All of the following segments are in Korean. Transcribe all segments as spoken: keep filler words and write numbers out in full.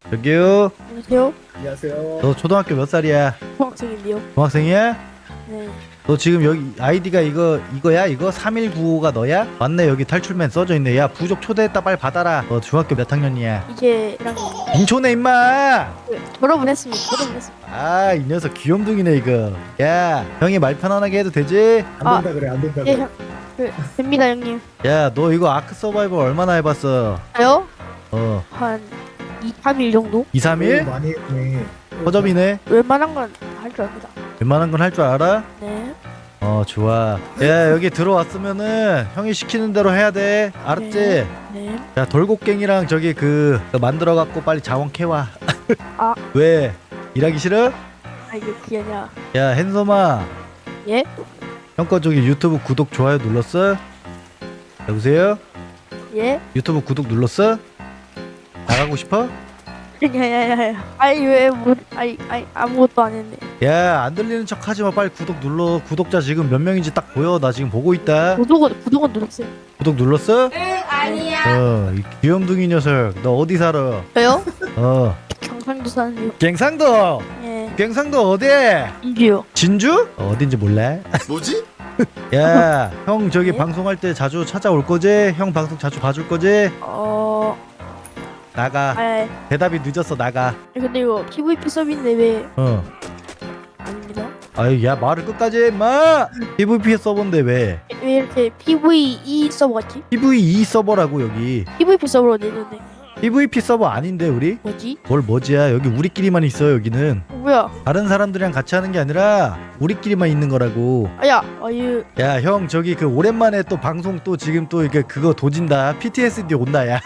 여기요. 안녕하세요. 안녕하세요. 너 초등학교 몇 살이야? 중학생인데요. 중학생이야? 네. 너 지금 여기 아이디가 이거 이거야? 이거 삼일구오가 너야? 맞네, 여기 탈출맨 써져 있네. 야, 부족 초대했다, 빨리 받아라. 너 중학교 몇 학년이야? 이제 일 학년입니다. 인초네 임마. 네, 졸업은 했습니다. 졸업은 했습니다. 아, 이 녀석 귀염둥이네 이거. 야, 형이 말 편안하게 해도 되지? 안 아, 된다 그래 안 된다 예, 그래. 형. 그, 됩니다, 형님. 야, 너 이거 아크 서바이벌 얼마나 해봤어? 저요? 어, 한 이, 삼 일 정도? 이, 삼 일? 오, 많이 했네. 허접이네. 웬만한 건 할 줄 압니다. 웬만한 건 할 줄 알아? 네. 어, 좋아. 야, 여기 들어왔으면은 형이 시키는 대로 해야 돼. 알았지? 네. 네. 야, 돌곡갱이랑 저기 그 만들어 갖고 빨리 자원 캐와. 아. 왜? 일하기 싫어? 아, 이게 그게 아니라. 야, 핸섬아. 예? 형 거 저기 유튜브 구독 좋아요 눌렀어? 여보세요? 예? 유튜브 구독 눌렀어? 나가고 싶어? 야야야야. 아니, 왜, 뭐, 아니, 아니, 아무것도 안 했네. 야, 안 들리는 척 하지 마. 빨리 구독 눌러. 구독자 지금 몇 명인지 딱 보여. 나 지금 보고 있다. 구독은, 구독은 눌렀어요. 구독 눌렀어? 응, 어, 이 귀염둥이 녀석. 너 어디 살아? 저요? 어, 경상도 사는데요. 갱상도. 예. 갱상도 어디? 인주요. 진주? 어, 어딘지 몰라? 뭐지? 야, 형 저기 네? 방송할 때 자주 찾아올 거지? 형 방송 자주 봐줄 거지? 어, 나가. 아, 대답이 늦었어. 나가. 근데 이거 피브이피 서비인데 왜 어. 아닙니다? 아유, 야, 말을 끝까지 해, 임마. 피브이피 서버인데 왜? 왜 이렇게 피브이이 서버 같지? 피브이이 서버라고 여기. 피브이피 서버로 내줬네. 피브이피 서버 아닌데 우리? 뭐지? 뭘 뭐지야? 여기 우리끼리만 있어. 여기는 어, 뭐야? 다른 사람들이랑 같이 하는 게 아니라 우리끼리만 있는 거라고. 아야, 아유, 야, 형 저기 그 오랜만에 또 방송 또 지금 또 이게 그거 도진다. 피티에스디 온다. 야,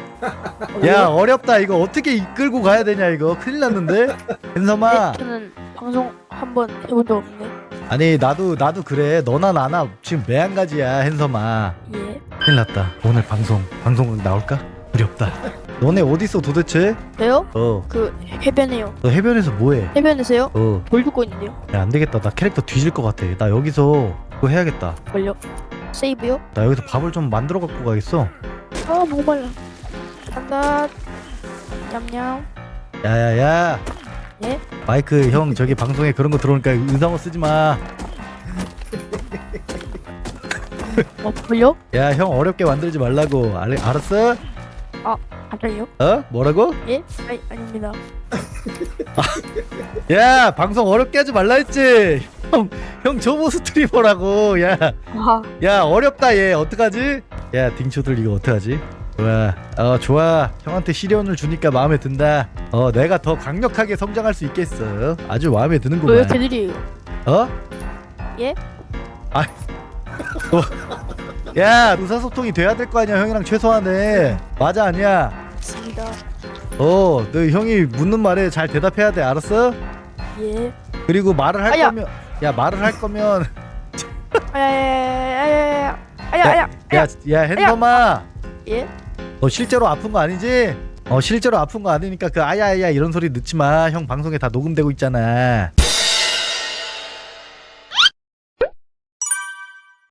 야, 어렵다. 이거 어떻게 이끌고 가야 되냐 이거. 큰일 났는데. hen섬아. 네, 저는 방송 한번 해본 적 없네. 아니, 나도 나도 그래. 너나 나나 지금 매한가지야, hen섬아. 예. 큰일 났다. 오늘 방송 방송 나올까? 두렵다. 너네 어디 있어 도대체? 저요? 어, 그 해변에요. 너 해변에서 뭐해? 해변에서요? 어, 돌 듣고 있는데요. 야, 안 되겠다. 나 캐릭터 뒤질 것 같아. 나 여기서 그거 해야겠다. 걸려. 세이브요? 나 여기서 밥을 좀 만들어 갖고 가겠어. 아, 목말라. 간다. 냠냠. 야야야. 예? 마이크 형 저기 방송에 그런 거 들어오니까 의상어 쓰지 마. 뭐 걸려? 야, 형 어렵게 만들지 말라고. 알, 알았어? 갑자기요? 어? 뭐라고? 예? 아니, 아닙니다. 야, 방송 어렵게 하지 말라 했지. 형, 형 저보 스트리머라고. 야, 와, 야, 어렵다 얘. 어떡하지? 야, 딩초들 이거 어떡하지? 좋아. 어, 좋아. 형한테 시련을 주니까 마음에 든다. 어, 내가 더 강력하게 성장할 수 있겠어. 아주 마음에 왜 드는구만. 이렇게 느려요? 어? 예? 아, 어. 야, 의사소통이 돼야 될 거 아니야, 형이랑 최소한에. 맞아, 아니야? 맞습니다. 어, 너 형이 묻는 말에 잘 대답해야 돼, 알았어? 예. 그리고 말을 할 아야. 거면, 야, 말을 할 거면, 아야야야야야야야. 아야, 아야, 야, 야, 핸섬아, 예? 너 실제로 아픈 거 아니지? 어, 실제로 아픈 거 아니니까 그 아야야 이런 소리 넣지 마. 형 방송에 다 녹음되고 있잖아.